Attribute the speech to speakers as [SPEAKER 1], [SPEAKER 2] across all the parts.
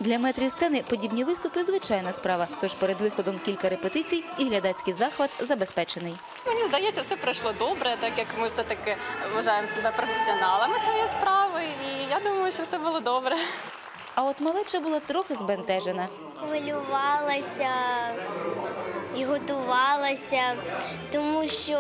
[SPEAKER 1] Для метрів сцени подібні виступи – звичайна справа. Тож перед виходом кілька репетицій і глядацький захват забезпечений.
[SPEAKER 2] Мені здається, все пройшло добре, так як ми все-таки вважаємо себе професіоналами своєї справи. І я думаю, що все було добре.
[SPEAKER 1] А от малеча була трохи збентежена.
[SPEAKER 3] Хвилювалася і готувалася, тому що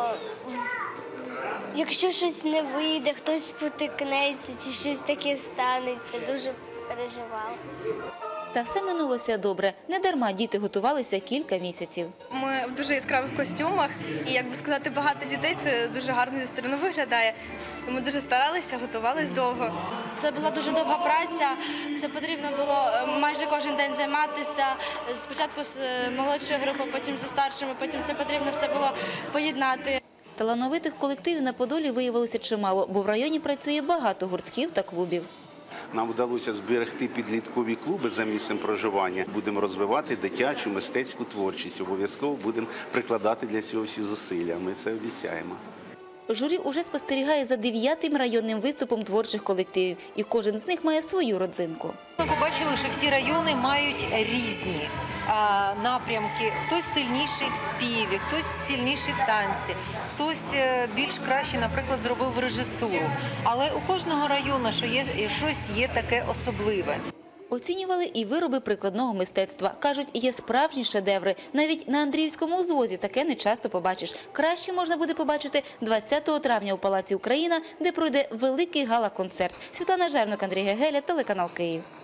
[SPEAKER 3] якщо щось не вийде, хтось спотикнеться чи щось таке станеться, дуже переживала.
[SPEAKER 1] Та все минулося добре. Недарма діти готувалися кілька місяців.
[SPEAKER 4] Ми в дуже яскравих костюмах і, як би сказати, багато дітей, це дуже гарно зі сторони виглядає. Ми дуже старалися, готувалися довго.
[SPEAKER 5] Це була дуже довга праця, це потрібно було майже кожен день займатися. Спочатку з молодшою групою, потім зі старшими, потім це потрібно все було поєднати.
[SPEAKER 1] Талановитих колективів на Подолі виявилося чимало, бо в районі працює багато гуртків та клубів.
[SPEAKER 6] Нам вдалося зберегти підліткові клуби за місцем проживання. Будемо розвивати дитячу, мистецьку творчість. Обов'язково будемо прикладати для цього всі зусилля. Ми це обіцяємо.
[SPEAKER 1] Журі уже спостерігає за 9-м районним виступом творчих колективів. І кожен з них має свою родзинку.
[SPEAKER 7] Ми побачили, що всі райони мають різні напрямки. Хтось сильніший в співі, хтось сильніший в танці, хтось більш краще, наприклад, зробив режисуру. Але у кожного району щось є таке особливе.
[SPEAKER 1] Оцінювали і вироби прикладного мистецтва. Кажуть, є справжні шедеври. Навіть на Андріївському узвозі таке не часто побачиш. Краще можна буде побачити 20 травня у Палаці Україна, де пройде великий гала-концерт. Світлана Жернок, Андрій Гегеля, телеканал Київ.